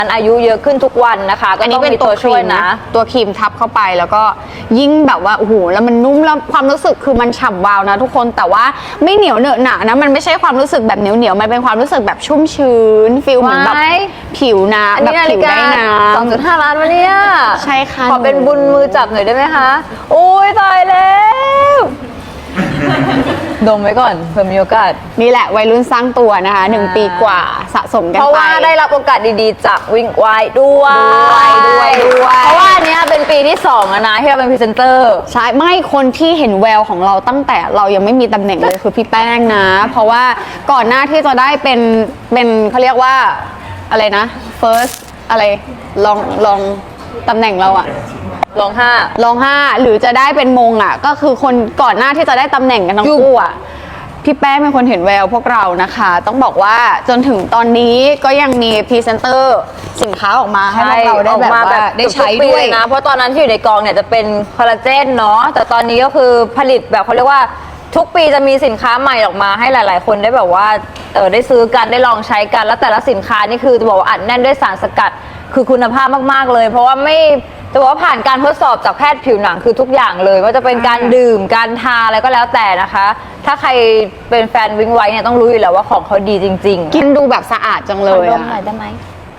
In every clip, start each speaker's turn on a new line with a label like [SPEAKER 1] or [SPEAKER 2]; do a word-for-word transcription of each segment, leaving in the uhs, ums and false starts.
[SPEAKER 1] มันอายุเยอะขึ้นทุกวันนะคะก็
[SPEAKER 2] อัน
[SPEAKER 1] ต้
[SPEAKER 2] นี้
[SPEAKER 1] อง
[SPEAKER 2] เป็น
[SPEAKER 1] มี
[SPEAKER 2] ตั
[SPEAKER 1] ตัว ว
[SPEAKER 2] ครี
[SPEAKER 1] ช่วย
[SPEAKER 2] ม
[SPEAKER 1] นะ
[SPEAKER 2] นะตัวครีมทับเข้าไปแล้วก็ยิ่งแบบว่าโอ้โหแล้วมันนุ่มแล้วความรู้สึกคือมันฉ่ำวาวนะทุกคนแต่ว่าไม่เหนียวเหนอะหนะนะมันไม่ใช่ความรู้สึกแบบเหนียวเหนียวมันเป็นความรู้สึกแบบชุ่มชื้นฟีลเหมือนแบบ
[SPEAKER 1] ไว้
[SPEAKER 2] ผิวน้
[SPEAKER 1] อัน
[SPEAKER 2] ำแบ
[SPEAKER 1] นี้
[SPEAKER 2] บ
[SPEAKER 1] นา
[SPEAKER 2] ผิ
[SPEAKER 1] ฬิ
[SPEAKER 2] ว
[SPEAKER 1] กา
[SPEAKER 2] ได้น้
[SPEAKER 1] สองจุดห้าล้านวะเนี่ย
[SPEAKER 2] ำใช่ค่ะ
[SPEAKER 1] ขอเป็นบุญมือจับหน่อยได้ไหมคะอุ้ยตายแล้วดมไว้ก่อนเผื่อมีโอกาส
[SPEAKER 2] นี่แหละวัยรุ่นสร้างตัวนะคะหนึ่งปีกว่าสะสมกันไป
[SPEAKER 1] เพราะว่าได้รับโอกาสดีๆจากวิ่งไวด้วย
[SPEAKER 2] ด้วยด้วย
[SPEAKER 1] เพราะว่าอันเนี้ยเป็นปีที่สองแล้วนะที่เราเป็นพรีเซนเตอร์
[SPEAKER 2] ใช่ไม่คนที่เห็นแววของเราตั้งแต่เรายังไม่มีตำแหน่งเลยคือพี่แป้งนะ เพราะว่าก่อนหน้าที่จะได้เป็นเป็นเขาเรียกว่าอะไรนะ first อะไรลองลองตำแหน่งเราอะ
[SPEAKER 1] ลองห้า
[SPEAKER 2] ลองห้าหรือจะได้เป็นมงอะก็คือคนก่อนหน้าที่จะได้ตำแหน่งกันทั้งคู่อะพี่แป้งเป็นคนเห็นแววพวกเรานะคะ ต้องบอกว่าจนถึงตอนนี้ก็ยังมีพรีเซนเตอร์สินค้าออกมาให้พวกเราได้แบบว่าได้ใช้ด้วย
[SPEAKER 1] นะ เพราะตอนนั้นที่อยู่ในกองเนี่ยจะเป็นคอลลาเจนเนาะแต่ตอนนี้ก็คือผลิตแบบเขาเรียกว่าทุกปีจะมีสินค้าใหม่ออกมาให้หลาย ๆ คนได้แบบว่าเออได้ซื้อกันได้ลองใช้กันแล้วแต่ละสินค้านี่คือจะบอกว่าอัดแน่นด้วยสารสกัดคือคุณภาพมาก ๆ เลย เพราะว่าไม่จะบอกว่าผ่านการทดสอบจากแพทย์ผิวหนังคือทุกอย่างเลยว่าจะเป็นการดื่มการทาอะไรก็แล้วแต่นะคะ ถ้าใครเป็นแฟนวิ้งไว้เนี่ยต้องรู้อยู่แล้วว่าของเขาดีจริงๆ
[SPEAKER 2] กินดูแบบสะอาดจังเลย
[SPEAKER 1] ด
[SPEAKER 2] อะ
[SPEAKER 1] มหน่อยได้ไหม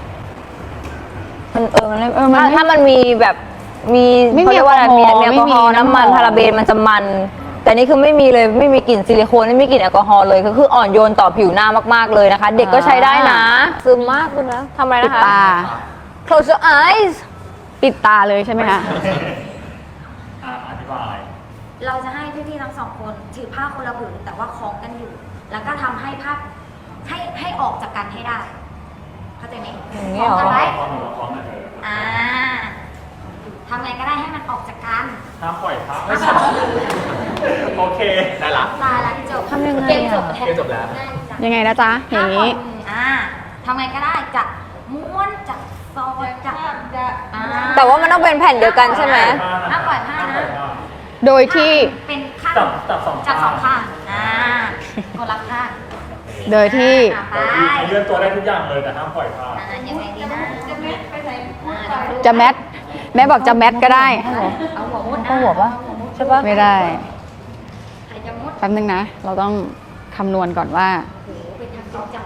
[SPEAKER 1] มันเออมันไม่
[SPEAKER 2] เออมัน
[SPEAKER 1] ถ้า
[SPEAKER 2] ไม่
[SPEAKER 1] ถ้ามันมีแบบมี
[SPEAKER 2] ไม่มี
[SPEAKER 1] เขาเรียกว่าอะไรมี
[SPEAKER 2] แอลกอฮอล์
[SPEAKER 1] มีแอลกอฮอล์
[SPEAKER 2] ไม่มี
[SPEAKER 1] น้ำมัน
[SPEAKER 2] น้ำหอม
[SPEAKER 1] พาราเบนมันจะมัน แต่นี่คือไม่มีเลยไม่มีกลิ่นซิลิโคนไม่มีกลิ่นแอลกอฮอล์เลยคือคืออ่อนโยนต่อผิวหน้ามากๆเลยนะคะ เด็กก็ใช้ได้นะซึมมากคุณนะทำอะไร
[SPEAKER 2] ปิด
[SPEAKER 1] นะคะ
[SPEAKER 2] ตา
[SPEAKER 1] close your eyes
[SPEAKER 2] ปิดตาเลยใช่ไหมคะ
[SPEAKER 3] อ่ะอธิบาย
[SPEAKER 4] เราจะให้พี่ๆทั้งสองคนถือผ้าคนละผืนแต่ว่าคล้องกันอยู่ แล้วก็ทำให้ผ้าให้ให้ออกจากกันให้ได้เข้าใจไหม
[SPEAKER 1] อย่างนี้
[SPEAKER 4] คล้อง
[SPEAKER 1] เหรอ
[SPEAKER 4] กันไว้
[SPEAKER 3] พอหนูเราพร้อมกันเลย
[SPEAKER 4] อ่าทำไงก็ได้ให้มันออกจากกัน
[SPEAKER 3] ห้ามปล่อยพักไม่ใช่โอเค ได้ละ
[SPEAKER 4] ตายละจบ
[SPEAKER 1] ทำยังไงอะ
[SPEAKER 4] เกมจบ
[SPEAKER 3] เกมจบแล้ว
[SPEAKER 4] ง่ายจัง
[SPEAKER 2] ยังไงนะจ๊ะอย่างนี้
[SPEAKER 4] อ่าทำไงก็ได้จะม้วนจะซอยจะจะอ่า
[SPEAKER 1] แต่ว่ามันต้องเป็นแผ่นเดียวกันใช่ไหม
[SPEAKER 4] ห้ามปล่อยผ้านะ
[SPEAKER 2] โดยที่
[SPEAKER 4] เป็นข้าง
[SPEAKER 3] จับจับสอง
[SPEAKER 4] จับสอง
[SPEAKER 3] ข้า
[SPEAKER 4] ข้าง งอ่าคนละข้าง
[SPEAKER 2] โดยที่
[SPEAKER 4] อ่าไป
[SPEAKER 3] เลื่อนตัวได้ทุกอย่างเลยแต่ห้ามปล่อยผ้า
[SPEAKER 4] อ่ายังไงดีนะจะแมทไปไหนพูดไป
[SPEAKER 2] จะแมทแม่บอกจะแมทก็ได้
[SPEAKER 4] เอาหัวมุด
[SPEAKER 1] ต้องหัวปะใช่ปะ
[SPEAKER 2] ไม่ได้
[SPEAKER 4] ใครจะมุด
[SPEAKER 2] แป๊บนึงนะ เราต้องคำนวณก่อนว่า
[SPEAKER 4] โอ้โหเป็นทางจริงจัง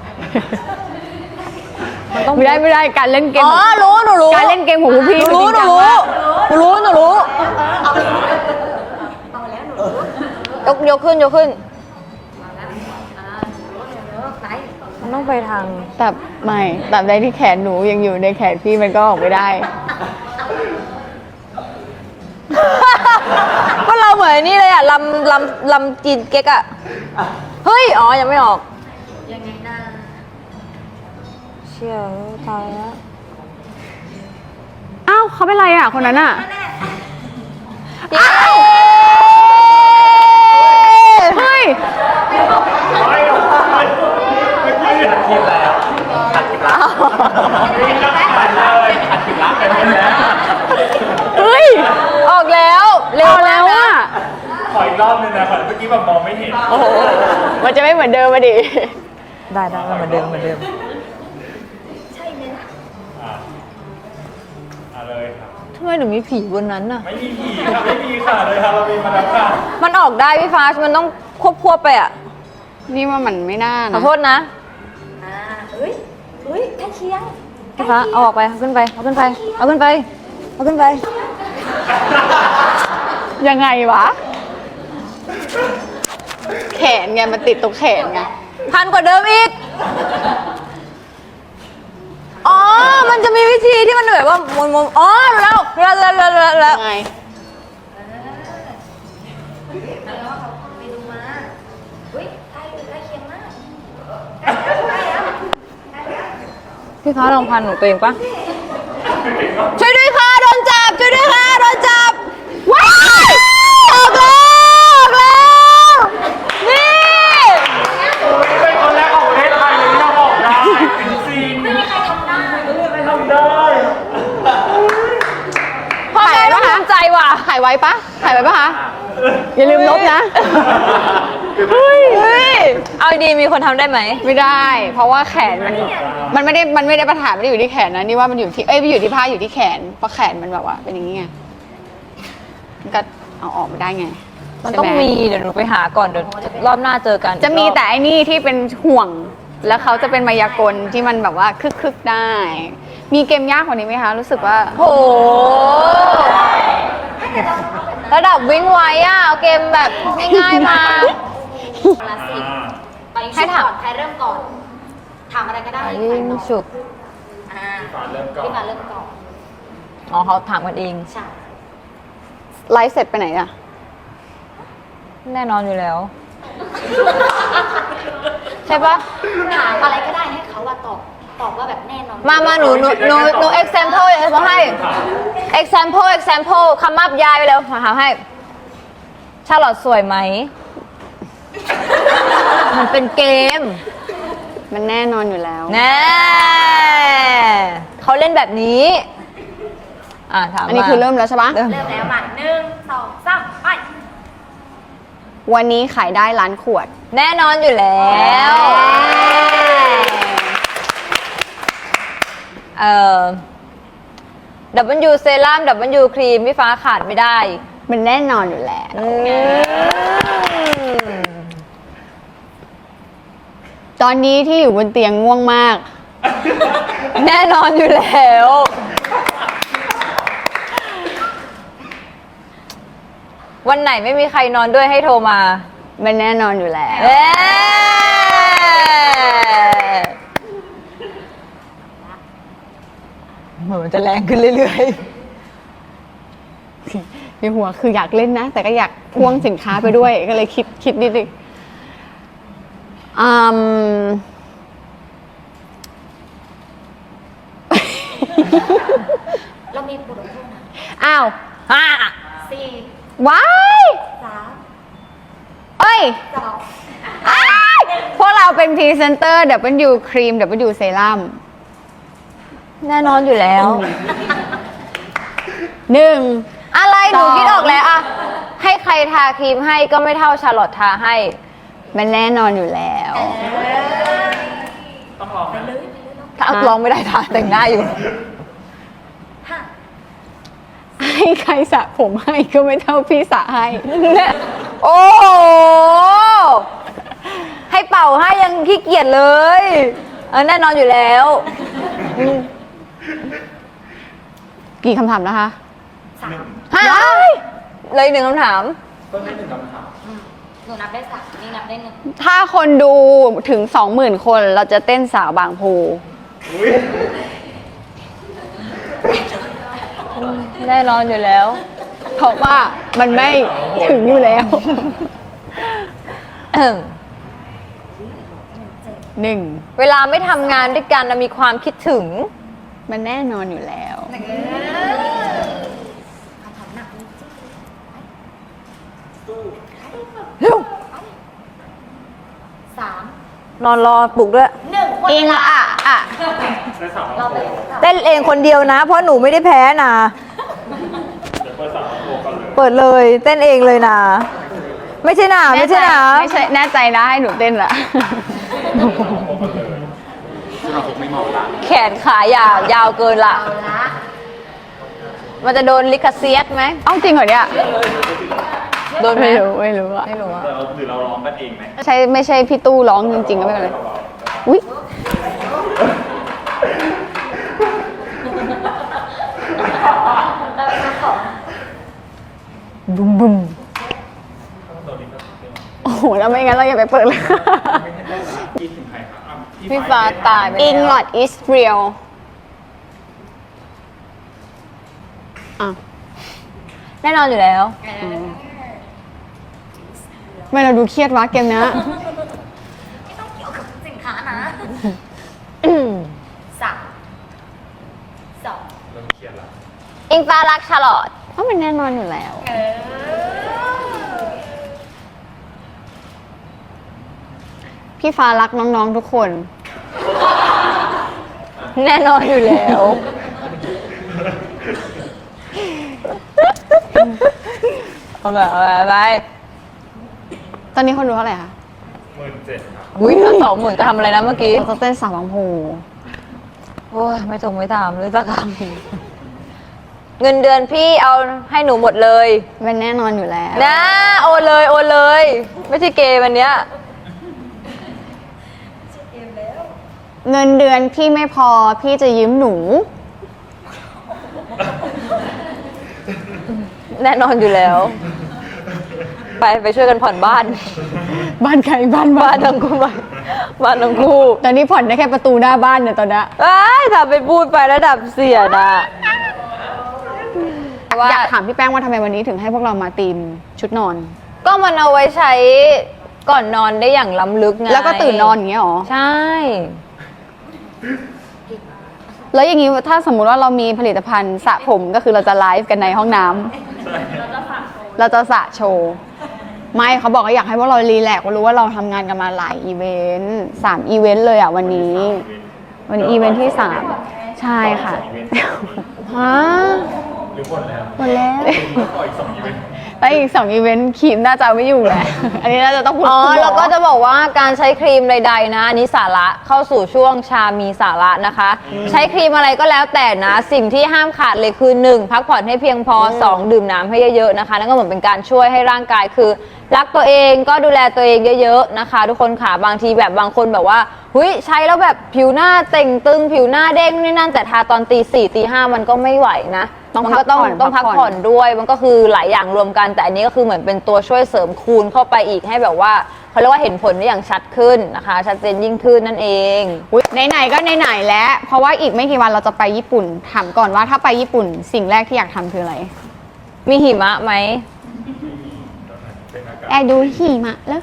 [SPEAKER 2] ไม่ได้ไม่ได้การเล่นเกม
[SPEAKER 1] อ๋อรู้หนูรู้
[SPEAKER 2] การเล่นเกมของคุณพี่
[SPEAKER 1] หนูรู้
[SPEAKER 2] จ
[SPEAKER 1] ห
[SPEAKER 2] ง
[SPEAKER 1] นู
[SPEAKER 2] จัง
[SPEAKER 1] รู้
[SPEAKER 2] มาก
[SPEAKER 1] หนูรู้หนูรู้
[SPEAKER 4] เอาเอาแล้วหนูรู้
[SPEAKER 1] ยกยกขึ้นยกขึ้น
[SPEAKER 4] เอาแล้วอ่าหนูรู้หนูรู้ไหน
[SPEAKER 1] มันต้องไปทาง
[SPEAKER 2] แต่ไม่แต่ใดที่แขนหนูยังอยู่ในแขนพี่มันก็ออกไม่ได้
[SPEAKER 1] ก็เราเหมือนนี่เลยอ่ะลำลำลำจีนเก๊กอ่ะ เฮ้ย อ๋อ ยังไม่ออก
[SPEAKER 4] ยังไงนะ
[SPEAKER 1] เชี่ยตายแล้ว
[SPEAKER 2] อ้าวเขาเป็นไรอ่ะคนนั้นอ่ะ
[SPEAKER 4] แน่
[SPEAKER 2] เฮ้ย
[SPEAKER 3] ไม่ไม่ไม่ไม่ตัดคลิปแล้วตัดคลิปแล้วตัดเลยตัดคลิปแล้วตัดคลิปแล้ว
[SPEAKER 2] เฮ้ย
[SPEAKER 1] ออกแล้วเร็ว
[SPEAKER 2] เอาแล้ว
[SPEAKER 1] นะ
[SPEAKER 2] อ่ะ
[SPEAKER 3] ขออีกรอบนึงนะขอเมื่อกี้แบบมองไม่เห็น
[SPEAKER 2] โอ้โหมันจะไม่เหมือนเดิมมาดิ
[SPEAKER 1] ได้ได้เหมือนเดิมเหมือนเดิม
[SPEAKER 4] ใช่ไหมนะ
[SPEAKER 3] อ่ะอ่ะเลยครับ
[SPEAKER 1] ทำไมหนูมีผีบนนั้นน่ะ
[SPEAKER 3] ไม่มีผีค่ะไม่มีค่ะเลยค่ะเรามีมาแล้วค่ะ
[SPEAKER 1] มันออกได้พี่ฟ้ามันต้องควบควบไปอ่ะ
[SPEAKER 2] นี่ว่ามันไม่น่า
[SPEAKER 1] ขอ
[SPEAKER 2] นะ
[SPEAKER 1] โทษนะ
[SPEAKER 4] อ่าเฮ้ยเฮ้ยใกล้เคียง
[SPEAKER 1] พี่ฟ้าเอาออกไปเอาขึ้นไปเอาขึ้นไปเอาขึ้นไปเอาขึ้นไป
[SPEAKER 2] ยังไงวะ แขนไงมันติดตรงแขนไง
[SPEAKER 1] พันกว่าเดิมอีก อ๋อ มันจะมีวิธีที่มันแบบว่ามุนมุนอ๋อรู้แล้วแล้วแล้วแล้วแล้วแล้ว
[SPEAKER 2] ยังไง
[SPEAKER 4] แล้วเขาไปดูมาเฮ้ยใกล้ใกล้เคียงมากใกล้แล้วใกล้แล้วใกล้แล้ว
[SPEAKER 1] พี่ฟ้าลองพันหนูตัวเองปะช่วยด้วยค่ะโดนจับช่วยด้วยค่ะโดนจับว้ายออกแล้วออกแล้วนี่
[SPEAKER 3] เป็นคนแรกของประเทศไทยเลยที่เราบอกได้ซีนไม่มีใครทำได้ไม่มีใครทำได้
[SPEAKER 1] พ่อแม่ก็ภูมิใจว่ะ
[SPEAKER 2] ถ่ายไว้ปะถ่ายไว้ปะคะ อย่าลืมลบนะ
[SPEAKER 1] เฮ้ยเอาดีมีคนทำได้ไหม
[SPEAKER 2] ไม่ได้ เพราะว่าแขนมันมันไม่ได้มันไม่ได้ปัญหาไม่ได้อยู่ที่แขนนะนี่ว่ามันอยู่ที่เอ้ยไม่อยู่ที่ผ้าอยู่ที่แขนเพราะแขนมันแบบว่าเป็นอย่างนี้ไงมันก็เอาออกไม่ได้ไง
[SPEAKER 1] มันต้อง
[SPEAKER 2] ใช่ไห
[SPEAKER 1] มีเดี๋ยวหนูไปหาก่อนเดี๋ยวรอบหน้าเจอกัน
[SPEAKER 2] จะมีแต่ไอ้นี่ที่เป็นห่วง แล้วเขาจะเป็นมายากลที่มันแบบว่าคึกๆได้ มีเกมยากกว่านี้ไหมคะรู้สึกว่า
[SPEAKER 1] โหระดับวิ่งไว้อะเอาเกมแบบง่ายๆมา
[SPEAKER 4] คนละสิบไป
[SPEAKER 1] ให้
[SPEAKER 4] ชุบ
[SPEAKER 1] ถาม
[SPEAKER 4] ก่อนใครเริ่มก่อน ถามอะไรก็ได้
[SPEAKER 1] ยิ
[SPEAKER 4] ใครง ตอบ
[SPEAKER 1] ฉุบ
[SPEAKER 4] อ่า
[SPEAKER 3] พี่ฟ้าเริ่มก่อน
[SPEAKER 4] พี่ฟ้าเริ่มก่อน
[SPEAKER 1] อ๋อเขาถามกันเอง
[SPEAKER 4] ใช่
[SPEAKER 2] ไลฟ์เสร็จไปไหนอะ
[SPEAKER 1] แน่นอนอยู่แล้ว ใช่ปะ
[SPEAKER 4] ถามอะไรก็ได้ให้เขาว่าตอบ ตอบว่าแบบแน่นอน
[SPEAKER 1] มามาหนูหนูหนูหนู example อย่างที่ให้ example example คำมับยายไปแล้วมาหาให้ชาลอตสวยไหม มันเป็นเกม
[SPEAKER 2] มันแน่นอนอยู่แล้ว
[SPEAKER 1] แน่เขาเล่นแบบนี้ อ่าถาม
[SPEAKER 2] อันนี้
[SPEAKER 1] มา
[SPEAKER 2] คือเริ่มแล้วใช่ปะ
[SPEAKER 1] เริ่ม
[SPEAKER 4] เริ่มแล้วมาหนึ่งสองสามไป
[SPEAKER 2] วันนี้ขายได้ล้านขวด
[SPEAKER 1] แน่นอนอยู่แล้ว เอ่อ W เซรั่ม W ครีมพี่ฟ้าขาดไม่ได้
[SPEAKER 2] มันแน่นอนอยู่แล้ว
[SPEAKER 1] อืม
[SPEAKER 2] ตอนนี้ที่อยู่บนเตียงง่วงมาก
[SPEAKER 1] แน่นอนอยู่แล้ว วันไหนไม่มีใครนอนด้วยให้โทรมา
[SPEAKER 2] มันแน่นอนอยู่แล้ว
[SPEAKER 1] เอ๊เหมือนมันจะแรงขึ้นเรื่อย
[SPEAKER 2] ในหัวคืออยากเล่นนะ แต่ก็อยากพ่วงสินค้าไปด้วย ก็เลยคิดคิดนิดนึงอืม
[SPEAKER 4] เรามีบทลงโทษนะ
[SPEAKER 2] อ้าว
[SPEAKER 1] ๆอ่ะ
[SPEAKER 4] สี่
[SPEAKER 2] ว้าย
[SPEAKER 4] สาม
[SPEAKER 2] เอ้ย
[SPEAKER 4] สอง
[SPEAKER 2] อ้ายพวกเราเป็นพรีเซนเตอร์ W ครีม W เซรั่ม
[SPEAKER 1] แน่นอนอยู่แล้ว
[SPEAKER 2] หนึ่ง
[SPEAKER 1] อะไรหนู
[SPEAKER 2] สอง
[SPEAKER 1] คิดออกแล้วอะให้ใครทาครีมให้ก็ไม่เท่าชาลอตทาให้
[SPEAKER 2] มันแน่นอนอยู่แล้ว
[SPEAKER 3] ต้องลองนะ
[SPEAKER 1] ถ้าเอาลองไม่ได้ทาแต่งหน้าอยู่
[SPEAKER 4] ห้า
[SPEAKER 2] ให้ใครสระผมให้ก็ไม่เท่าพี่สระให้
[SPEAKER 1] โอ้โห ให้เป่าให้ยังขี้เกียจเลยเออแน่นอนอยู่แล้วอืม
[SPEAKER 2] กี่คำถามนะคะ
[SPEAKER 4] สาม
[SPEAKER 1] ฮะเลยหนึ่งคำถาม
[SPEAKER 3] ต้นให้หนึ่งคำถาม
[SPEAKER 4] หนูนับได้สามนี่นับได้หนึ่ง
[SPEAKER 2] ถ้าคนดูถึงสองหมื่นคนเราจะเต้นสาวบางโพ
[SPEAKER 3] อุ้ย
[SPEAKER 1] แน่นอนอยู่แล้ว
[SPEAKER 2] เพราะว่ามันไม่ถึงอยู่แล้ว หนึ่ง
[SPEAKER 1] เวลาไม่ทำงานด้วยกันเรามีความคิดถึง
[SPEAKER 2] มันแน่นอนอยู่แล้ว
[SPEAKER 4] คำถามหนักจริง
[SPEAKER 1] เร็ว
[SPEAKER 4] ๆสาม
[SPEAKER 1] นอนรอปลุกด้วย
[SPEAKER 4] หนึ่งหมด
[SPEAKER 2] อิ
[SPEAKER 4] เว
[SPEAKER 2] ง
[SPEAKER 4] ลา
[SPEAKER 2] อ่ะอ่ะ
[SPEAKER 3] ได้สาม
[SPEAKER 4] เรา
[SPEAKER 3] รอบ
[SPEAKER 4] ไป
[SPEAKER 1] เต้นเองคนเดียวนะ เพราะหนูไม่ได้แพ้นะ
[SPEAKER 3] เดี๋ยวเปิดสามรอบโทรก่อนเลย
[SPEAKER 1] เปิดเลยเต้นเองเลยนะ ไม่ใช่นะไม่ใช่นะ
[SPEAKER 2] ไม่ใช่แน่ใจนะให้หนูเต้นละ
[SPEAKER 3] โทรก่อนเลยเราคงไม่เหมาะละ
[SPEAKER 1] แขนขายาวยาวเกินละ
[SPEAKER 4] เอาละ
[SPEAKER 1] มันจะโดนลิขเซียสไหม
[SPEAKER 2] เอ้าจริงเหรอเนี่ย
[SPEAKER 1] โดนไหม
[SPEAKER 2] ไม่รู้ไม่รู้อะ
[SPEAKER 1] ไม่รู้อะ
[SPEAKER 3] แต่เราหรือเราร้องกันเองไหม
[SPEAKER 2] ใช่ไม่ใช่พี่ตู้ร้องจริงๆก็ไม่เป็นไรอุ้ย
[SPEAKER 4] เราไปนับของ
[SPEAKER 1] บุ้มบุ้ม
[SPEAKER 2] โอ้โหแล้วไม่งั้นเราอย่าไปเปิดเลย
[SPEAKER 3] กินถึงใครครับอ่ะ
[SPEAKER 1] พี่ฟ้าตายไป
[SPEAKER 2] อิงหล
[SPEAKER 1] แล้
[SPEAKER 2] อ
[SPEAKER 1] ว
[SPEAKER 2] ดอิสเรียลอ่ะ
[SPEAKER 1] แน่นอนอยู่แล้ว
[SPEAKER 2] ทำไม่เราดูเครียดวะเกมเนี้ย
[SPEAKER 4] ไม่ต้องเกี่ยวกับสินค้านะสามสอง
[SPEAKER 3] เริ่มเครียดละ
[SPEAKER 1] อิงฟ้ารักชาลอต
[SPEAKER 2] เพราะมันแน่นอนอยู่แล้ว
[SPEAKER 4] เออ
[SPEAKER 2] พี่ฟ้ารักน้องๆทุกคน
[SPEAKER 1] แน่นอนอยู่แล้วเอาแบบเอาแบบไป
[SPEAKER 2] ตอนนี้คนดูเท่าไหร่คะ
[SPEAKER 3] หมื่นเจ็ดครับ
[SPEAKER 1] อุ้ยสองหมื่นจะทำอะไรนะเมื่อกี้
[SPEAKER 2] เราจะเต้นสาวบางโพ
[SPEAKER 1] โอ้ยไม่ตรงไม่ตามเลยสักคำเงินเดือนพี่เอาให้หนูหมดเลย
[SPEAKER 2] เป็นแน่นอนอยู่แล้ว
[SPEAKER 1] นะโอนเลยโอนเลย ไม่ใช่เกมอันเนี้ย
[SPEAKER 2] เงินเดือนพี่ไม่พอพี่จะยืมหนู
[SPEAKER 1] แน่นอนอยู่แล้ว ไปไปช่วยกันผ่อนบ้าน
[SPEAKER 2] บ้านใครบ้านบ้า
[SPEAKER 1] บ้าน นทั้งคู่บ้านบ้านทั้งคู่
[SPEAKER 2] ตอนนี้ผ่อนได้แค่ประตูหน้าบ้านเนี่ยตอนเนี้ย
[SPEAKER 1] เอ้ยถ้าไปพูดไประดับเสียดอะว่า
[SPEAKER 2] อยากถามพี่แป้งว่าทำไมวันนี้ถึงให้พวกเรามาตีมชุดนอน
[SPEAKER 1] ก็มันเอาไว้ใช้ก่อนนอนได้อย่างล้ำลึกไง
[SPEAKER 2] แล้วก็ตื่นนอนอย่างเงี้ยหรอ
[SPEAKER 1] ใช่
[SPEAKER 2] แล้วอย่างนี้ถ้าสมมุติว่าเรามีผลิตภัณฑ์สระผมก็คือเราจะไลฟ์กันในห้องน้ำเราจะสระโชว์ไม่เขาบอกว่าอยากให้พวกเรารีแลกซ์รู้ว่าเราทำงานกันมาหลายอีเวนต์สามอีเวนต์เลยอ่ะวันนี้ วันนี้อีเวนต์ที่สามใช่ค่ะฮะ
[SPEAKER 3] หรือหมดแล้ว
[SPEAKER 2] หมดแล้ว
[SPEAKER 3] ขออีกสองอีเวนต์
[SPEAKER 2] แล้วอีกสองอีเวนต์ครีมน่าจะเอาไม่อยู่แหละ อันนี้น่าจะต้องพูด
[SPEAKER 1] อ๋อ
[SPEAKER 2] คุณหม
[SPEAKER 1] แล้วก็จะบอกว่าการใช้ครีมใดๆนะอันนี้สาระเข้าสู่ช่วงชามีสาระนะคะ ใช้ครีมอะไรก็แล้วแต่นะ สิ่งที่ห้ามขาดเลยคือ หนึ่ง พักผ่อนให้เพียงพอ สอง ดื่มน้ำให้เยอะๆนะคะนั่นก็เหมือนเป็นการช่วยให้ร่างกายคือรักตัวเองก็ดูแลตัวเองเยอะๆนะคะ ทุกคนค่ะบางทีแบบบางคนแบบว่าหุยใช้แล้วแบบผิวหน้าเต่งตึงผิวหน้าเด้งนี่นั่นแต่ทาตอนตีสี่ตีห้ามันก็ไม่ไหวนะ
[SPEAKER 2] ต้อง
[SPEAKER 1] มัน
[SPEAKER 2] พั
[SPEAKER 1] ก็
[SPEAKER 2] ก
[SPEAKER 1] ต้อง
[SPEAKER 2] ผ่อน
[SPEAKER 1] ต้องพักผ่อนด้วยมันก็คือหลายอย่างรวมกันแต่อันนี้ก็คือเหมือนเป็นตัวช่วยเสริมคูณเข้าไปอีกให้แบบว่าเขาเรียกว่าเห็นผลได้อย่างชัดขึ้นนะคะ ชัดเจนยิ่งขึ้นนั่นเอง
[SPEAKER 2] อุ๊ยไหนๆก็ไหนๆแล้ว เพราะว่าอีกไม่กี่วันเราจะไปญี่ปุ่น ถามก่อนว่าถ้าไปญี่ปุ่นสิ่งแรกที่อยากทำคืออะไร
[SPEAKER 1] มีหิมะไหม
[SPEAKER 3] เป็นอากาศ
[SPEAKER 2] แอร์ดูหิมะแล้ว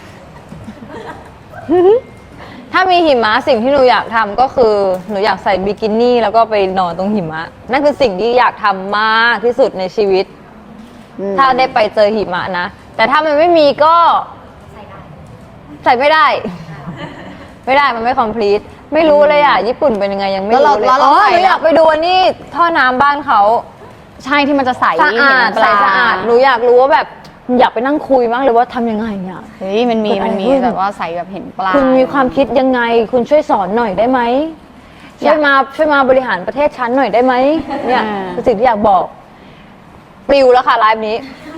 [SPEAKER 1] ถ้ามีหิมะสิ่งที่หนูอยากทำก็คือหนูอยากใส่บิกินี่แล้วก็ไปนอนตรงหิมะนั่นคือสิ่งที่อยากทำมากที่สุดในชีวิต ถ้าได้ไปเจอหิมะนะแต่ถ้ามันไม่มีก็ใส่ไม่ได้ ไม่ได้มันไม่คอมพลีทไม่รู้เลยอ่ะญี่ปุ่นเป็นยังไงยังไม่
[SPEAKER 2] แล้วเรา
[SPEAKER 1] รู้เลย
[SPEAKER 2] แล้วเรา
[SPEAKER 1] อ๋อ
[SPEAKER 2] ใส่
[SPEAKER 1] หนูอยากไปดูอันนี่ท่อน้ำบ้านเขา
[SPEAKER 2] ใช่ที่มันจะใส
[SPEAKER 1] สะอาด
[SPEAKER 2] เห็นป
[SPEAKER 1] ใส
[SPEAKER 2] ลา
[SPEAKER 1] สะอาดหนูอยากรู้ว่าแบบอยากไปนั่งคุยมากเลยว่าทำยังไงอ่ะ
[SPEAKER 2] เฮ้ยมันมีมันมี
[SPEAKER 1] เกิดอะไรขึ้น
[SPEAKER 2] แบบว่าใสแบบเห็นปลา
[SPEAKER 1] คุณมีความคิดยังไง คุณช่วยสอนหน่อยได้ไหม
[SPEAKER 2] อยาก
[SPEAKER 1] ช่วยมาช่วยมาบริหารประเทศชั้นหน่อยได้ไหมเนี่ย
[SPEAKER 2] อ่า
[SPEAKER 1] คือสิ่งที่อยากบอกปลิวแล้วค่ะไลฟ์นี้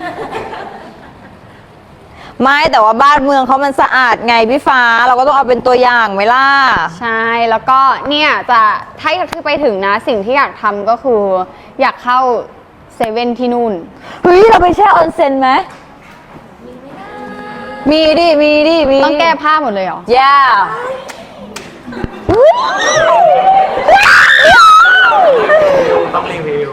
[SPEAKER 1] ไม่แต่ว่าบ้านเมืองเขามันสะอาดไงพี่ฟ้าเราก็ต้องเอาเป็นตัวอย่างไหมล่ะ
[SPEAKER 2] ใช่แล้วก็เนี่ยจะถ้าคือไปถึงนะสิ่งที่อยากทำก็คือ อยากเข้าเซเว่นที่นู่น
[SPEAKER 1] เฮ้ยเราไปแช่ออนเซ็นไหมมีดิมีดิมี
[SPEAKER 2] ต้องแก้ผ้าหมดเลยเหรอ
[SPEAKER 1] ย่า
[SPEAKER 3] ต้องรีวิว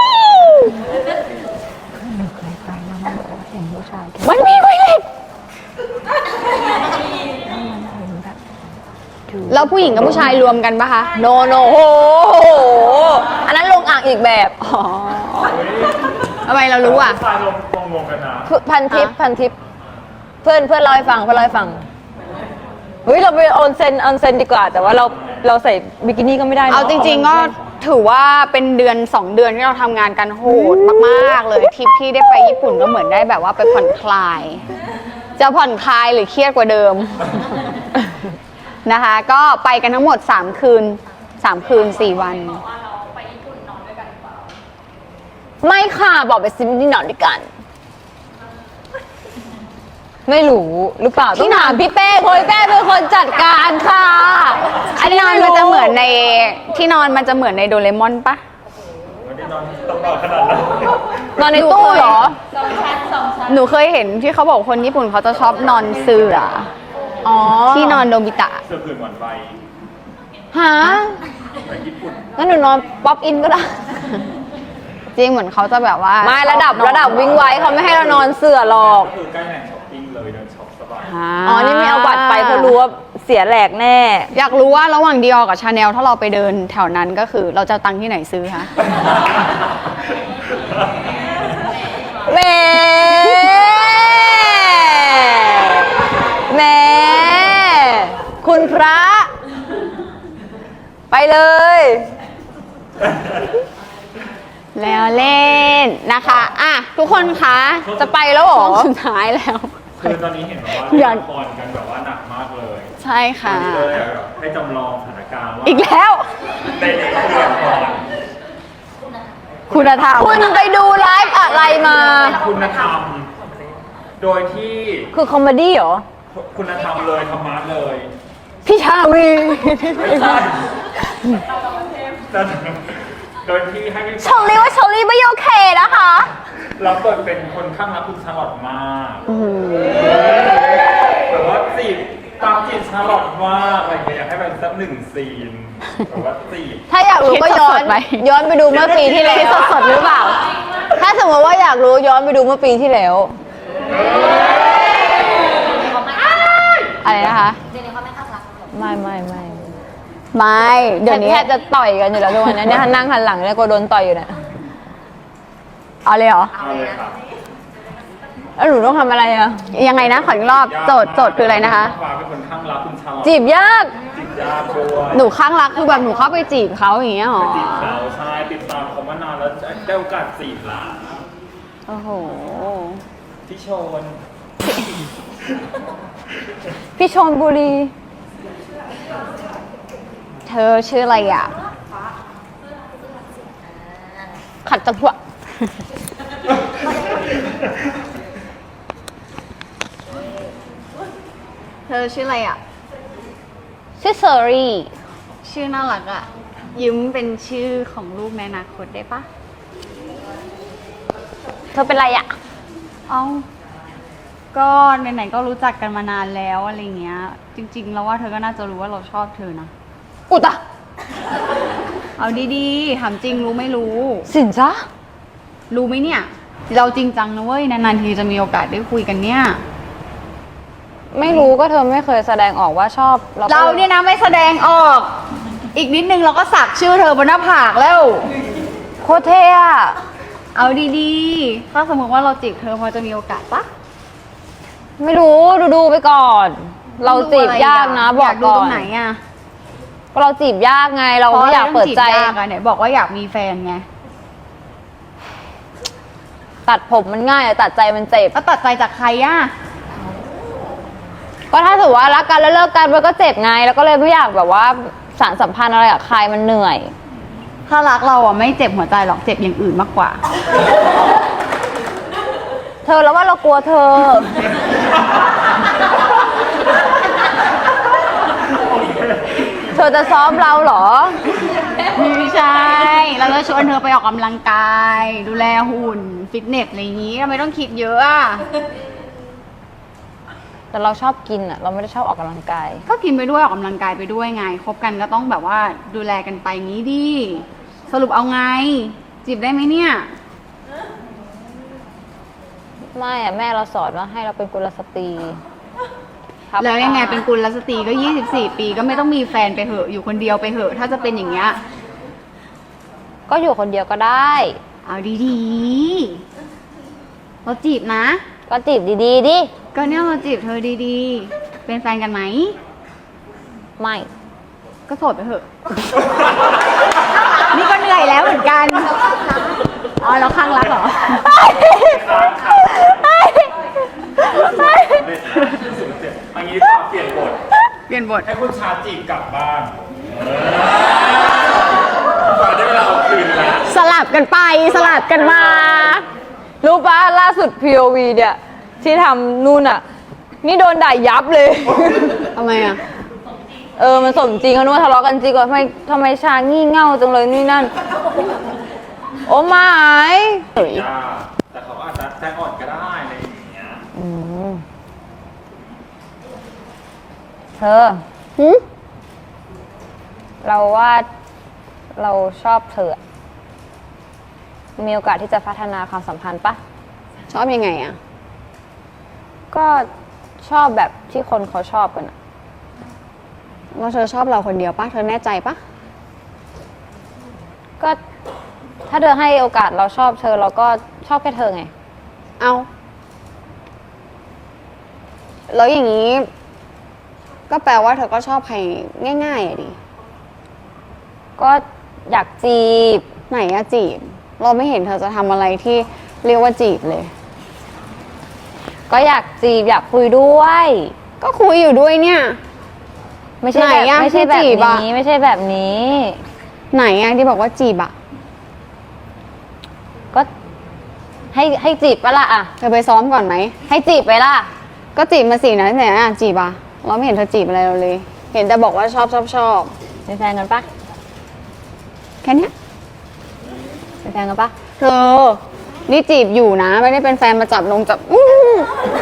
[SPEAKER 1] มันมีไวเล็ต
[SPEAKER 2] แล้วผู้หญิงกับผู้ชายรวมกันปะคะ
[SPEAKER 1] โนโนโหอันนั้นลงอ่างอีกแบบ
[SPEAKER 2] อ๋อทำไมเรารู้อ่ะ
[SPEAKER 3] ชายลงลงลงกันนะ
[SPEAKER 1] พันทิป
[SPEAKER 2] ฮะ
[SPEAKER 1] พันทิปเพื่อนเพื่อนเล่าให้ฟังเพื่อนเล่าให้ฟังเฮ้ยเราไปออนเซนออนเซนดีกว่า แต่ว่าเราเราใส่บิกินี่ก็ไม่ได้นะ
[SPEAKER 2] เอาจริงๆก็ถือว่าเป็นเดือนสองเดือนที่เราทำงานกันโหดมากๆเลยทริปที่ได้ไปญี่ปุ่นก็เหมือนได้แบบว่าไปผ่อนคลาย จะผ่อนคลายหรือเครียดกว่าเดิม นะคะ ก็ไปกันทั้งหมดสามคืนสามคืนสี่วัน
[SPEAKER 1] ไม่ค่ะบอกไปซิมนี่นอนด้วยกัน ไม่รู้หรือเปล่าต้องถามพี่เป้เพราะพี่เป้เป็นคนจัดการค่ะ
[SPEAKER 2] ที่นอนมันจะเหมือนในที่นอนมันจะเหมือนในโดเรมอนปะ
[SPEAKER 3] วันนี้นอนต้องนอนขนาดนั้น
[SPEAKER 1] นอนในตู้เหรอ
[SPEAKER 2] หนูเคยเห็นที่เขาบอกคนญี่ปุ่นเขาจะชอบนอนเสื่อ
[SPEAKER 1] อ๋อ
[SPEAKER 2] ที่นอนโดบิตะ
[SPEAKER 3] เสื้อผืนหวานใบ
[SPEAKER 1] หา
[SPEAKER 3] ไปญี่ปุ่น
[SPEAKER 1] งั้นหนูนอนป๊อปอินก็ได้
[SPEAKER 2] จริงเหมือนเขาจะแบบว่า
[SPEAKER 1] ไม่ระดับ
[SPEAKER 2] ชอน
[SPEAKER 1] ระดับวิ่งไว้เขาไม่ให้เรานอนเสื่อหรอก
[SPEAKER 3] ก็คือใกล้แหล่งช้อปปิ้งเลยเดินช็อปสบาย
[SPEAKER 1] อ๋อ นี่ไม่เอาบัตรไปเพราะรู้ว่าเสียแหลกแน่
[SPEAKER 2] อยากรู้ว่าระหว่างดีออกับชาแนลถ้าเราไปเดินแถวนั้นก็คือเราจะเอาตังค์ที่ไหนซื้อคะ
[SPEAKER 1] แหม่แหม่คุณพระ ไปเลย
[SPEAKER 2] แล้วเล่นนะคะอ่ะทุกคนคะ
[SPEAKER 1] จะไปแล้วเหรอ
[SPEAKER 2] ช่วงสุดท้ายแล้ว
[SPEAKER 3] คือตอนนี้เห็นว่า
[SPEAKER 2] อ
[SPEAKER 3] เล่
[SPEAKER 2] ยาก
[SPEAKER 3] นละครกันแบบว่าหนักมากเลย
[SPEAKER 2] ใช่
[SPEAKER 3] ตอ
[SPEAKER 2] ค่ะ
[SPEAKER 3] นนี้เลยแบบให้จำลองสถานการณ์ว่า
[SPEAKER 2] อีกแล้ว
[SPEAKER 3] ในในละคร
[SPEAKER 2] คุณธรรม
[SPEAKER 1] คุณไปดูไลฟ์อะไรมา
[SPEAKER 3] คุณธรรม โดยที่
[SPEAKER 1] คือคอมเมดี้เหรอ
[SPEAKER 3] คุณธรรมเลยธรรมะเลย
[SPEAKER 1] พี่ชาวี
[SPEAKER 3] ไม่ใช่แต่โดยที่ให้พี่
[SPEAKER 1] ชอลลี่ว่าชอลลี่ไม่โอเคนะคะ
[SPEAKER 3] รับบทเป็นคนข้างรักคุณชาลอตมากแบบว่าจีบตามจีบชาลอตมากอะไรอย่างเงี้ยอยากให้เป็นสักหนึ่งซีนแบบว่าจีบ
[SPEAKER 1] ถ้าอยากรู้ก็ย้อน
[SPEAKER 2] คิดสดๆไหม
[SPEAKER 1] ย้อนไปดูเมื่อปีที่แล้ว
[SPEAKER 2] คิดสดๆหรือเปล่า
[SPEAKER 1] ถ้าสมมติว่าอยากรู้ย้อนไปดูเมื่อปีที่แล้ว
[SPEAKER 2] อะไรนะคะ
[SPEAKER 4] เจนนี่เขาไม่ข้างรักหรอก
[SPEAKER 1] ไม่ไม่ไม่
[SPEAKER 2] ไม่เดี๋ยวนี้
[SPEAKER 1] แทบจะต่อยกันอยู่แล้วทุกวันนี้เนี่ยนั่งหันหลังเนี่ยก็โดนต่อยอยู่เนี่ย
[SPEAKER 2] เอาเลยเหรอ
[SPEAKER 3] เอาเลยครับ
[SPEAKER 1] แล้วหนูต้องทำอะไรอ่ะ
[SPEAKER 2] ยังไงนะขออีกรอบโจทย์โจทย์คืออะไรนะคะ
[SPEAKER 3] ฟ้าเป็นคนข้างรักคุณชาลอต
[SPEAKER 1] จีบยาก
[SPEAKER 3] จีบยากด้วย
[SPEAKER 2] หนูข้างรักคือแบบหนูเข้าไปจีบเขาอย่างเงี้ยหรอ
[SPEAKER 3] จีบเขาใช่ติดตามเขามานานแล้วได้โอกาสจีบละ
[SPEAKER 2] โอ้โห
[SPEAKER 3] ที่โชน
[SPEAKER 1] พี่ชนบุรี
[SPEAKER 2] เธอชื่ออะไรอ่ะ
[SPEAKER 1] ขัดจังหวะ
[SPEAKER 2] เธอชื่ออะไรอ่ะ
[SPEAKER 1] ชื่อเซอรี่
[SPEAKER 2] ชื่อน่ารักอ่ะ ยิ้มเป็นชื่อของลูกในอนาคตได้ปะ
[SPEAKER 1] เธอเป็นไรอ่ะ
[SPEAKER 2] เอาก็ไหนๆก็รู้จักกันมานานแล้วอะไรเงี้ย จริงๆแล้วว่าเธอก็น่าจะรู้ว่าเราชอบเธอนะ
[SPEAKER 1] อุตะ
[SPEAKER 2] เอาดีๆถามจริงรู้ไม่รู้
[SPEAKER 1] สินจ้า
[SPEAKER 2] รู้ไหมเนี่ย เราจริงจังนะเว้ย นานๆทีจะมีโอกาสได้คุยกันเนี่ย
[SPEAKER 1] ไม่รู้ก็เธอไม่เคยแสดงออกว่าชอบก็
[SPEAKER 2] เราเนี่ยนะไม่แสดงออก อีกนิดนึงเราก็สักชื่อเธอบนหน้าผากแล้ว
[SPEAKER 1] โคตรเท่อะ
[SPEAKER 2] เอาดีๆ ถ้าสมมติว่าเราจีบเธอพอจะมีโอกาสปะ
[SPEAKER 1] ไม่รู้ดูดูๆไปก่อน เราจีบยากนะบ
[SPEAKER 2] อ
[SPEAKER 1] อก
[SPEAKER 2] ยากดู
[SPEAKER 1] ก่อ
[SPEAKER 2] ตร
[SPEAKER 1] น
[SPEAKER 2] งไหนอ่ะ
[SPEAKER 1] ก็เราจีบยากไงเราไม่อยากเปิดใจ
[SPEAKER 2] พราะอะไรต้องจีบยากอะไหนบอกว่าอยากมีแฟนไง
[SPEAKER 1] ตัดผมมันง่ายแต่ตัดใจมันเจ็บ
[SPEAKER 2] แล้วตัดใจจากใครอ่ะ
[SPEAKER 1] ก็ถ้าถือว่ารักกันแล้วเลิกกันมันก็เจ็บไง แล้วก็เลยไม่อยากแบบว่าสารสัมพันธ์อะไรกับใครมันเหนื่อย
[SPEAKER 2] ถ้ารักเราอ่ะไม่เจ็บหัวใจหรอกเจ็บอย่างอื่นมากกว่า
[SPEAKER 1] เธอแล้วว่าเรากลัวเธอ เธอจะซ้อมเราเหรอ
[SPEAKER 2] ไม่ใช่ เราจะชวนเธอไปออกกำลังกาย ดูแลหุ่น ฟิตเนสอะไรอย่างนี้ทำไมต้องคิดเยอะอ่ะ
[SPEAKER 1] แต่เราชอบกินอ่ะ เราไม่ได้ชอบออกกำลังกาย
[SPEAKER 2] ก็กินไปด้วยออกกำลังกายไปด้วยไง คบกันก็ต้องแบบว่าดูแลกันไปงี้ดิ สรุปเอาไง จีบได้ไหมเนี่ย
[SPEAKER 1] ไม่อ่ะแม่เราสอนว่าให้เราเป็นกุลสตรีครับ
[SPEAKER 2] แล้วยังไงเป็นกุลสตรีก็ยี่สิบสี่ปีก็ไม่ต้องมีแฟนไปเหอะอยู่คนเดียวไปเหอะ ถ้าจะเป็นอย่างเงี้ย
[SPEAKER 1] ก็อยู่คนเดียวก็ได้
[SPEAKER 2] เอาดีๆ เราจีบนะ
[SPEAKER 1] ก็จีบดีๆดิ
[SPEAKER 2] ก็เนี่ยเราจีบเธอดีๆ เป็นแฟนกันไหม
[SPEAKER 1] ไม่
[SPEAKER 2] ก็โสดไปเถอะ นี่ก็เหนื่อยแล้วเหมือนกัน อ๋อเราข้างรักเหรอ
[SPEAKER 3] อันนี้เปลี่ยนบท
[SPEAKER 2] เปลี่ยนบท
[SPEAKER 3] ให้คุณชาจีบกลับบ้านตอนได้เวลาเอาคืนแล้ว
[SPEAKER 2] สลับกันไปสลับกันมา
[SPEAKER 1] รู้ปะล่าสุด พี โอ วี เนี่ย ที่ทำนู่นอ่ะ นี่โดนด่ายับเลย
[SPEAKER 2] ทำไมอ่ะ
[SPEAKER 1] เออ มันสมจริงเขานึกว่าทะเลาะกันจริงว่าทำไมทำไมชางี่เง่าจังเลยนี่นั่น โอ้ไม่
[SPEAKER 3] ยากแต่เขาอาจจะใจอ่อนก็ได้อะไรอย่างเงี้ย
[SPEAKER 1] อืมเธอ
[SPEAKER 2] หึ
[SPEAKER 1] เราว่าเราชอบเธอ มีโอกาสที่จะพัฒนาความสัมพันธ์ปะ
[SPEAKER 2] ชอบยังไงอ่ะ
[SPEAKER 1] ก็ชอบแบบที่คนเขาชอบกันอะ
[SPEAKER 2] ว่าเธอชอบเราคนเดียวปะเธอแน่ใจปะ
[SPEAKER 1] ก็ถ้าเธอให้โอกาสเราชอบเธอเราก็ชอบแค่เธอไง
[SPEAKER 2] เอาแล้วอย่างนี้ ก็แปลว่าเธอก็ชอบใครง่ายๆอะดิ
[SPEAKER 1] ก็อยากจีบ
[SPEAKER 2] ไหนอะจีบ เราไม่เห็นเธอจะทำอะไรที่เรียกว่าจีบเลย
[SPEAKER 1] ก็อยากจีบอยากคุยด้วย
[SPEAKER 2] ก็คุยอยู่ด้วยเนี่ย
[SPEAKER 1] ไม่ใช่แบบ
[SPEAKER 2] ไหนอะ
[SPEAKER 1] ไม่ใช่แบ
[SPEAKER 2] ที่จี
[SPEAKER 1] บบ
[SPEAKER 2] อะ
[SPEAKER 1] นี้ไม่ใช่แบบนี้
[SPEAKER 2] ไหนอะที่บอกว่าจีบอะ
[SPEAKER 1] ก็ให้ให้จีบปะล่ะอะ
[SPEAKER 2] เธอไปซ้อมก่อนไหม
[SPEAKER 1] ให้จีบไปล่ะ
[SPEAKER 2] ก็จีบมาสินะไหนอะจีบอะเราไม่เห็นเธอจีบอะไรเราเลย เห็นแต่บอกว่าชอบชอบชอบ
[SPEAKER 1] เป็นแฟนกันปะ
[SPEAKER 2] แค่เนี้ย
[SPEAKER 1] เป็นแฟนกันปะ
[SPEAKER 2] เธอ นี่จีบอยู่นะ ไม่ได้เป็นแฟนมาจับลงจับอื้อ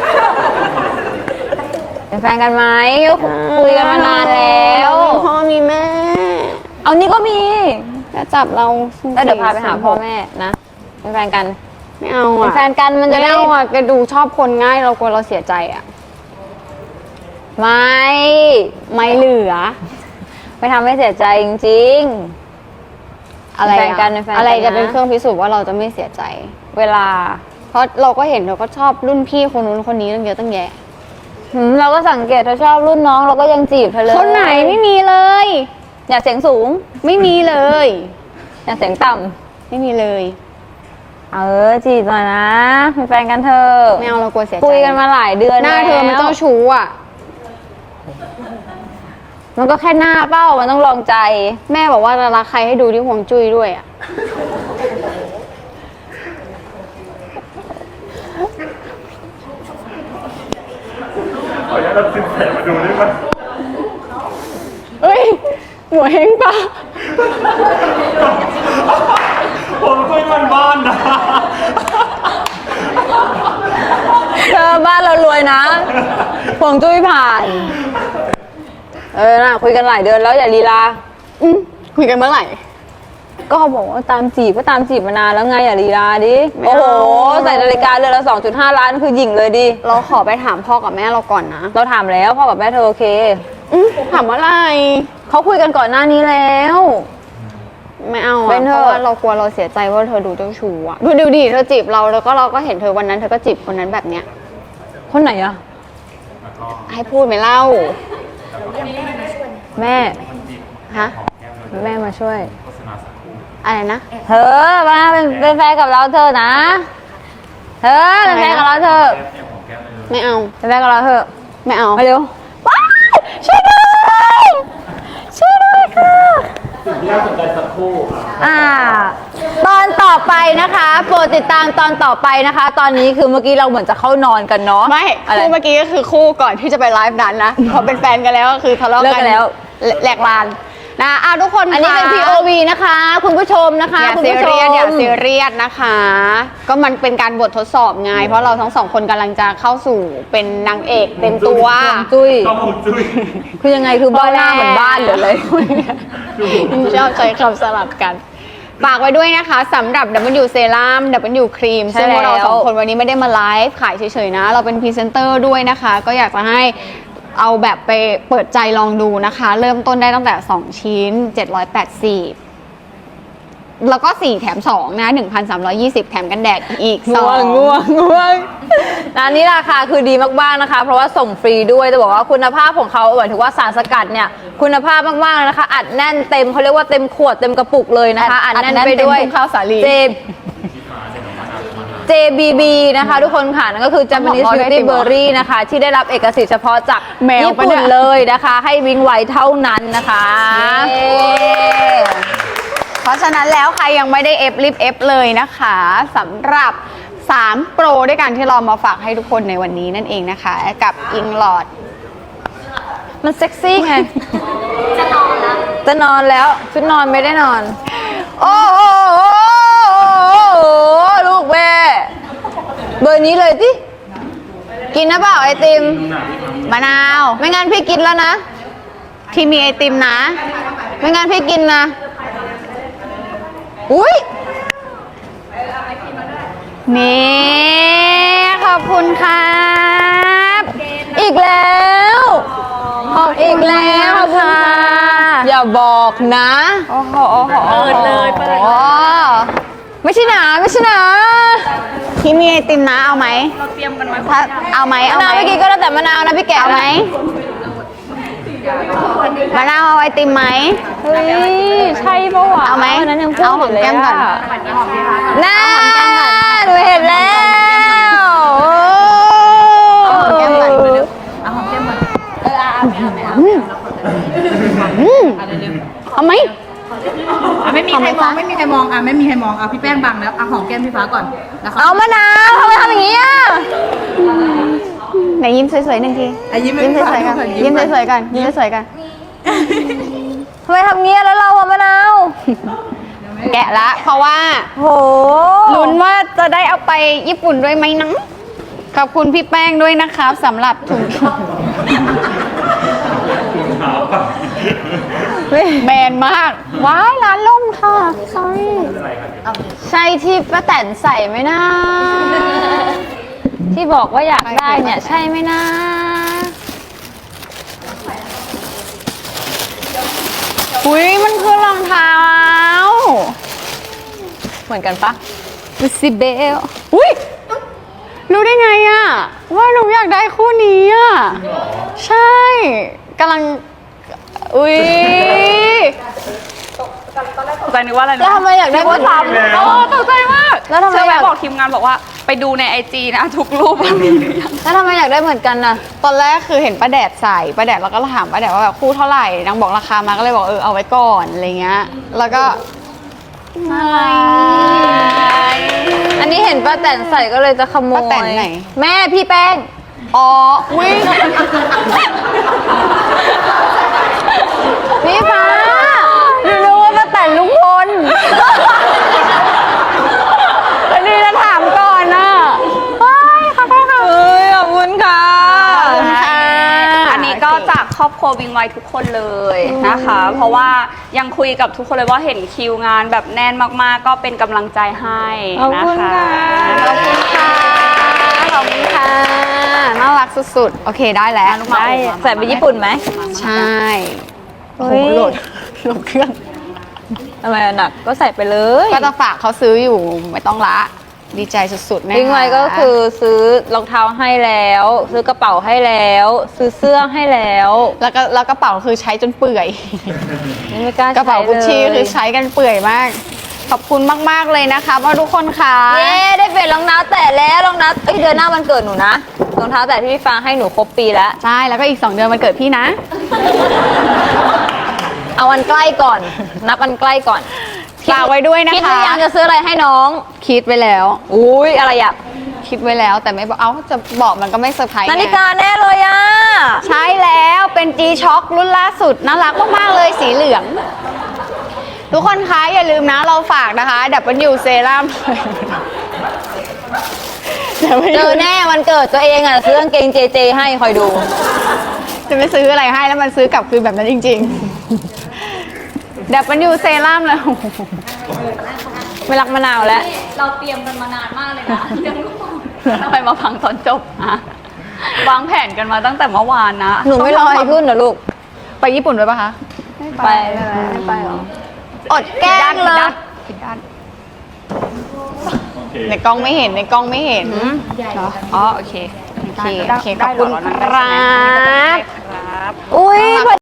[SPEAKER 1] เป็นแฟนกันไหมก็คุยกันมานานแล้ว
[SPEAKER 2] เรามีพ่อมีแม่
[SPEAKER 1] เอานี่ก็มี
[SPEAKER 2] แล้วจับเรา
[SPEAKER 1] แล้วเดี๋ยวพาไปหาพ่อแม่นะเป็นแฟนกัน
[SPEAKER 2] ไม่เอา
[SPEAKER 1] เป็น
[SPEAKER 2] อะ
[SPEAKER 1] แฟนกันมันจะ
[SPEAKER 2] ไม่
[SPEAKER 1] ได้
[SPEAKER 2] เอาอะแกดูชอบคนง่ายเรากลัวเราเสียใจอะ
[SPEAKER 1] ไม่
[SPEAKER 2] ไม่เหลือ
[SPEAKER 1] ไม่ทำให้เสียใจจริง
[SPEAKER 2] อะไร
[SPEAKER 1] เป็นแฟน
[SPEAKER 2] อะ
[SPEAKER 1] กันเป็นแฟนกัน
[SPEAKER 2] อะไรจะ
[SPEAKER 1] นะ
[SPEAKER 2] เป็นเครื่องพิสูจน์ว่าเราจะไม่เสียใจ
[SPEAKER 1] ๆ เวลา
[SPEAKER 2] เพราะเราก็เห็นเราก็ชอบรุ่นพี่คนนู้นคนนี้ตั้งเยอะตั้งแยะ
[SPEAKER 1] หืมเราก็สังเกตเธอชอบรุ่นน้องเราก็ยังจีบเธอเลย
[SPEAKER 2] คนไหนไม่มีเลย
[SPEAKER 1] อยากเสียงสูง
[SPEAKER 2] ไม่มีเลย
[SPEAKER 1] อยากเสียงต่
[SPEAKER 2] ไม่มีเลย
[SPEAKER 1] ำเออจีบหน่อยนะเป็นแฟนกันเธอะ
[SPEAKER 2] ไม่เอาเรากลัวเสียใจ
[SPEAKER 1] คุยกันมาหลายเดือน
[SPEAKER 2] หน้าเธอมัน
[SPEAKER 1] แล้ว
[SPEAKER 2] เจ้าชู้อ่ะ
[SPEAKER 1] มันก็แค่หน้าเป้ามันต้องลองใจ
[SPEAKER 2] แม่บอกว่าจะรักใครให้ดูที่ห่วงจุ้ยด้วยอ่ะ
[SPEAKER 3] ขออนุญาตรับสินแสมาดูได้ไหม
[SPEAKER 2] เอ้ย หัวเฮงปะ
[SPEAKER 3] ผมคุยมันบ้านนะ
[SPEAKER 1] เธอบ้านเรารวยนะผวงจุ้ยผ่าน เออน่ะคุยกันหลายเดือนแล้วอย่าลีลา
[SPEAKER 2] อืมคุยกันเมื่อไหร่
[SPEAKER 1] ก็เขาบอกว่าตามจีบก็ตามจีบมานานแล้วไงอย่าลีลาดิ
[SPEAKER 2] ไม่
[SPEAKER 1] โอ้
[SPEAKER 2] เอา
[SPEAKER 1] โหใส่นาฬิกาเรือนละ สองจุดห้า ล้านคือหญิงเลยดิ
[SPEAKER 2] เราขอไปถามพ่อกับแม่เราก่อนนะ
[SPEAKER 1] เราถามแล้วพ่อกับแม่เธอโอเค
[SPEAKER 2] อืมถามว่าอะไร
[SPEAKER 1] เขาคุยกันก่อนหน้านี้แล้ว
[SPEAKER 2] ไม่เอา
[SPEAKER 1] เป็
[SPEAKER 2] อะ
[SPEAKER 1] น
[SPEAKER 2] เพ
[SPEAKER 1] เถอะ
[SPEAKER 2] ราะว่าเรากลัวเราเสียใจว่าเธอดูเจ้าชู้อะดูดูดิเธอจีบเราแล้วก็เราก็เห็นเธอวันนั้นเธอก็จีบคนนั้นแบบเนี้ย
[SPEAKER 1] คนไหนอะ
[SPEAKER 2] ให้พูดไหมเล่า
[SPEAKER 1] แม่
[SPEAKER 2] ฮะ
[SPEAKER 1] แม่มาช่วย
[SPEAKER 2] อะไรนะ
[SPEAKER 1] เธอมาเป็นเป็นแฟนกับเราเธอะนะ เธอเป็นแฟนกับเราเธอะ
[SPEAKER 2] ไม่เอา
[SPEAKER 1] เป็นแฟนกับเราเธอะ
[SPEAKER 2] ไม่เอา
[SPEAKER 1] มาเร็วว้ายช่วยด้วยช่วยด้วยค่ะ
[SPEAKER 3] สิ่งที่น่าสนใจสักครู่
[SPEAKER 1] อ่า ตอนต่อไปนะคะโปรดติดตามตอนต่อไปนะคะ ตอนนี้คือเมื่อกี้เราเหมือนจะเข้านอนกันเนาะ
[SPEAKER 2] ไม่
[SPEAKER 1] อะไร
[SPEAKER 2] คู่เมื่อกี้ก็คือคู่ก่อนที่จะไปไลฟ์นั้นนะ พอเป็นแฟนกันแล้วก็คือทะเลาะ
[SPEAKER 1] เลิก
[SPEAKER 2] กั
[SPEAKER 1] กัน นแล้ว
[SPEAKER 2] แหลกลานนะอ่ะทุกคน
[SPEAKER 1] อันนี้เป็น
[SPEAKER 2] ค่ะ
[SPEAKER 1] พี โอ วี นะคะ คุณผู้ชมนะคะ
[SPEAKER 2] อย่า
[SPEAKER 1] คุณ
[SPEAKER 2] ซี
[SPEAKER 1] ผู้ช
[SPEAKER 2] เรีย
[SPEAKER 1] ม
[SPEAKER 2] สอย่าซีเรียสนะคะ ก็มันเป็นการบททดสอบไง เพราะเราทั้งสองคนกำลังจะเข้าสู่เป็นนางเอกเต็มตัว
[SPEAKER 1] ห่วงจุ้ย
[SPEAKER 3] ต้องหุจุ้ย
[SPEAKER 1] คือยังไงคือบ้านหน้าเหมือนบ้านหรืออะไร
[SPEAKER 2] ชอบใช้คำสลับกัน ฝากไว้ด้วยนะคะสำหรับ ดับเบิลยู Serum ดับเบิลยู Cream
[SPEAKER 1] ใช่
[SPEAKER 2] ซึ่งพวกเรา
[SPEAKER 1] แล้ว
[SPEAKER 2] สองคนวันนี้ไม่ได้มาไลฟ์ขายเฉยๆนะ เราเป็นพรีเซนเตอร์ด้วยนะคะ ก็อยากจะให้เอาแบบไปเปิดใจลองดูนะคะ เริ่มต้นได้ตั้งแต่ สอง ชิ้น เจ็ดร้อยแปดสิบ แล้วก็สี่แถมสองนะ หนึ่งพันสามร้อยยี่สิบ แถมกันแดดอีกส
[SPEAKER 1] ง่
[SPEAKER 2] อ
[SPEAKER 1] วง
[SPEAKER 2] ง
[SPEAKER 1] ง่วงง่วงร้านนี้ราคาคือดีมากๆนะคะ เพราะว่าส่งฟรีด้วยจะบอกว่าคุณภาพของเขาหมายถึงว่าสารสกัดเนี่ยคุณภาพมากๆเลยนะคะ อัดแน่นเต็มเขาเรียกว่าเต็มขวดเต็มกระปุกเลยนะคะ
[SPEAKER 2] อั
[SPEAKER 1] อั
[SPEAKER 2] ด
[SPEAKER 1] ดแน่น
[SPEAKER 2] อัดแน่น
[SPEAKER 1] ไปด้วย
[SPEAKER 2] เต็มทุ่งข้าวสาลี
[SPEAKER 1] เจ เจ บี บี นะคะ ทุกคนค่ะนั่นก็คือ Japanese
[SPEAKER 2] ต้องบอกว่าได้
[SPEAKER 1] Beauty
[SPEAKER 2] ติมเหรอ
[SPEAKER 1] Berry นะคะ ที่ได้รับเอกสิทธิ์เฉพาะจาก
[SPEAKER 2] แมว
[SPEAKER 1] ญี่
[SPEAKER 2] ปะ
[SPEAKER 1] ปุ่
[SPEAKER 2] เนี่
[SPEAKER 1] น
[SPEAKER 2] ย
[SPEAKER 1] เลยนะคะ ให้วิงไวเท่านั้นนะคะ
[SPEAKER 2] เพราะฉะนั้นแล้วใครยังไม่ได้เอฟรีบเอฟเลยนะคะสำหรับสามโปรด้วยกันที่เรามาฝากให้ทุกคนในวันนี้นั่นเองนะคะ กับอิงลอด
[SPEAKER 1] มันเซ็กซี่ไง จะนอนแล้ว จะนอนแล้ว ชุดนอนไม่ได้นอน โอ้โหลูกแม่เบอร์นี้เลยสิกินนะเปล่าไอติม
[SPEAKER 2] มะนาว
[SPEAKER 1] ไม่งั้นพี่กินแล้วนะ
[SPEAKER 2] ที่มีไอติมนะ
[SPEAKER 1] ไม่งั้นพี่กินนะ อุ้ย
[SPEAKER 2] นี่ขอบคุณครับ
[SPEAKER 1] อีกแล้วอีกแล้วค่ะ อย่าบอกนะ
[SPEAKER 2] โอ้โหโอ้โหเปิดเลยเปิด
[SPEAKER 1] ไม่ใช่หนาไม่ใช่หนา
[SPEAKER 2] ที่มีไอติมนะเอาไหมเราเตรียมกันมาเอาไหม
[SPEAKER 1] มะ
[SPEAKER 2] เอา
[SPEAKER 1] นาว
[SPEAKER 2] ไหม
[SPEAKER 1] เมื่อกี้ก็แล้วแต่มะนาวนะพี่แกะ
[SPEAKER 2] เอาไหม
[SPEAKER 1] นะ
[SPEAKER 2] มะนาวเอาไอติมไหม
[SPEAKER 1] เฮ้ยใช่ปะวะ
[SPEAKER 2] เอาไหม
[SPEAKER 1] วันนั้นยังพูด
[SPEAKER 2] เอาห
[SPEAKER 1] อ
[SPEAKER 2] อม
[SPEAKER 1] ยู่เลย
[SPEAKER 2] แก้มก่อน
[SPEAKER 1] อะน่าหนูเห็นแล้วโอ้
[SPEAKER 2] เอาไหม
[SPEAKER 5] อ่ะไม่มีใครมองไม่มีใครมองอ่ะไม่มีใครมองอ่ะพี่แป้งบังแล้วอ่ะหอมแก้มพี่ฟ้าก่อนนะคะ
[SPEAKER 1] เอามะนาวทำไมทำอย่างนี้อ่ะ
[SPEAKER 2] ไหนยิ้มสวยๆหนึ่งที
[SPEAKER 5] อ่ะยิ้มให้
[SPEAKER 2] ยิ้ม
[SPEAKER 5] พี่
[SPEAKER 2] ส
[SPEAKER 5] ฟ้า
[SPEAKER 2] วยๆกัน
[SPEAKER 5] ดูก่อน
[SPEAKER 2] ยิ้ม
[SPEAKER 5] ก่อน
[SPEAKER 2] สวยๆกันยิ้มสวยๆกัน
[SPEAKER 1] ทำไมทำเงี้ยแล้วเราอะมะนาว
[SPEAKER 2] แกะละ เพราะว่า
[SPEAKER 1] โห
[SPEAKER 2] ลุ้นว่าจะได้เอาไปญี่ปุ่นด้วยไหมนะขอบคุณพี่แป้งด้วยนะครับสำหรับถุงแมนมาก ว้ายร้านล่มค่ะใช่ใช่ที่ป้าแตนใส่ไหมนะ
[SPEAKER 1] ที่บอกว่าอยากได้เนี่ยใช่ไหมนะ
[SPEAKER 2] อุ้ยมันคือรองเท้า
[SPEAKER 1] เหมือนกันปะ
[SPEAKER 2] ลูซิเบลอุ้ยรู้ได้ไงอะว่าหนูอยากได้คู่นี้อะใช่กำลัง อุ้ย
[SPEAKER 6] ตกใจนึกว่าอะไรนะ
[SPEAKER 1] แล้วทำไมอยากได้ว่าท
[SPEAKER 6] โอ้ตกใจมาก
[SPEAKER 1] แล้วทำไม
[SPEAKER 6] เชื่อไหม
[SPEAKER 1] อยาก
[SPEAKER 6] บอกทีมงานบอกว่าไปดูในไอจีนะทุกรูปมันมีหรือยัง
[SPEAKER 1] ำแล้วทำไมอยากได้เหมือนกันน่ะ
[SPEAKER 2] ตอนแรกคือเห็นป้าแดดใส่ป้าแดดเราก็ถามป้าแดดว่าแบบคู่เท่าไหร่นางบอกราคามาก็เลยบอกเออเอาไว้ก่อนอะไรเงี้ยแล้วก็อะไร
[SPEAKER 1] อันนี้เห็นป้าแตนใส่ก็เลยจะขโมย
[SPEAKER 2] ป้าแตนไหน
[SPEAKER 1] แม่พี่แป้ง
[SPEAKER 2] อ๋ออุ้ย
[SPEAKER 1] พี่ฟ้าหนูรู้ว่าป้าแตนลุงพล
[SPEAKER 2] แล้วนี่จะถามก่อนนะเฮ้ยขอบคุณค่ะ
[SPEAKER 1] เอ้ยขอบคุณค่ะ
[SPEAKER 2] ขอบคุณค่ะ
[SPEAKER 6] อันนี้ก็จากครอบครัววิงไวทุกคนเลยนะคะ เพราะว่ายังคุยกับทุกคนเลยว่าเห็นคิวงานแบบแน่นมากๆ ก็เป็นกำลังใจให้
[SPEAKER 1] ขอบ
[SPEAKER 6] นะ
[SPEAKER 1] คุณ
[SPEAKER 6] คะ
[SPEAKER 1] ค่ะ
[SPEAKER 2] ขอบคุณค่ะขอบคุณค่ะน่ารักสุดๆโอเคได้แล้ว
[SPEAKER 1] ได้ใส่ไปญี่ปุ่นไหม
[SPEAKER 2] ใช่โอ้โห
[SPEAKER 1] เฮ้ย
[SPEAKER 2] โหลดโหลดเครื่อง
[SPEAKER 1] ทำไมอะหนักก็ใส่ไปเลย
[SPEAKER 2] ก็จะฝากเขาซื้ออยู่ไม่ต้องละ ดีใจสุดๆแม่
[SPEAKER 1] ทิ้งไว้ก็คือซื้อรองเท้าให้แล้ว ซื้อกระเป๋าให้แล้ว ซื้อเสื้อให้แล้ว
[SPEAKER 2] แล้วก็แล้วกระเป๋าคือใช้จนเปื่อย
[SPEAKER 1] ไม่กล้าก
[SPEAKER 2] ระเป๋ากุชชี่
[SPEAKER 1] ใช้เลย
[SPEAKER 2] คือใช้กันเปื่อยมาก ขอบคุณมากๆเลยนะคะว่าทุกคนค่ะ
[SPEAKER 1] เย้ได้เปลี่ยนรองเท้าแตะแล้วรองเท้าเอ้ยเดือนหน้าวันเกิดหนูนะรองเท้าแตะที่พี่ฟางให้หนูครบปีแล้ว
[SPEAKER 2] ใช่แล้วก็อีกสองเดือนมันเกิดพี่นะ
[SPEAKER 1] เอาวันใกล้ก่อน นับวันใกล้ก่อน
[SPEAKER 2] ฝากไว้ด้วยนะคะ
[SPEAKER 1] คิดหรือยังจะซื้ออะไรให้น้อง
[SPEAKER 2] คิดไว้แล้ว
[SPEAKER 1] อุ้ยอะไรอ่ะ
[SPEAKER 2] คิดไว้แล้วแต่ไม่บอกเอ้าจะบอกมันก็ไม่เซอร์ไพรส์
[SPEAKER 1] นาฬิ
[SPEAKER 2] ไง
[SPEAKER 1] กาแน่เลยอ่ะ
[SPEAKER 2] ใช่แล้วเป็น G-Shock รุ่นล่าสุด น่ารักมากๆเลยสีเหลือง ทุกคนคะอย่าลืมนะเราฝากนะคะ ดับเบิลยูเซรั่ม
[SPEAKER 1] เจอแน่วันเกิดตัวเองอ่ะซื้อกางเกงเจเจให้คอยดู
[SPEAKER 2] จะไปซื้ออะไรให้แล้วมันซื้อกลับคืนแบบนั้นจริงๆ ดับเบิลยูเซรั่มเลย
[SPEAKER 1] ไม่รักมะนาวแล้ว
[SPEAKER 6] เราเตรียมกันมานานมากเลยนะเรื่องลูกทำไมมาพังตอนจบอะวางแผนกันมาตั้งแต่เมื่อวานนะ
[SPEAKER 1] หนูไม่ลอยขึ้นเหรอลูก
[SPEAKER 2] ไปญี่ปุ่นด้วยปะคะ
[SPEAKER 1] ไปไม่ไปหรอ
[SPEAKER 2] อดแกล้งเลยผิดด้านในกล้องไม่เห็นในกล้องไม่เห็น
[SPEAKER 6] เหรออ๋อโอเค
[SPEAKER 2] โอเค
[SPEAKER 6] ได้
[SPEAKER 2] โอเคข
[SPEAKER 6] ได้
[SPEAKER 2] อบคุณ
[SPEAKER 6] เหรอ
[SPEAKER 2] ครับ
[SPEAKER 6] ครับ
[SPEAKER 1] อุ้ย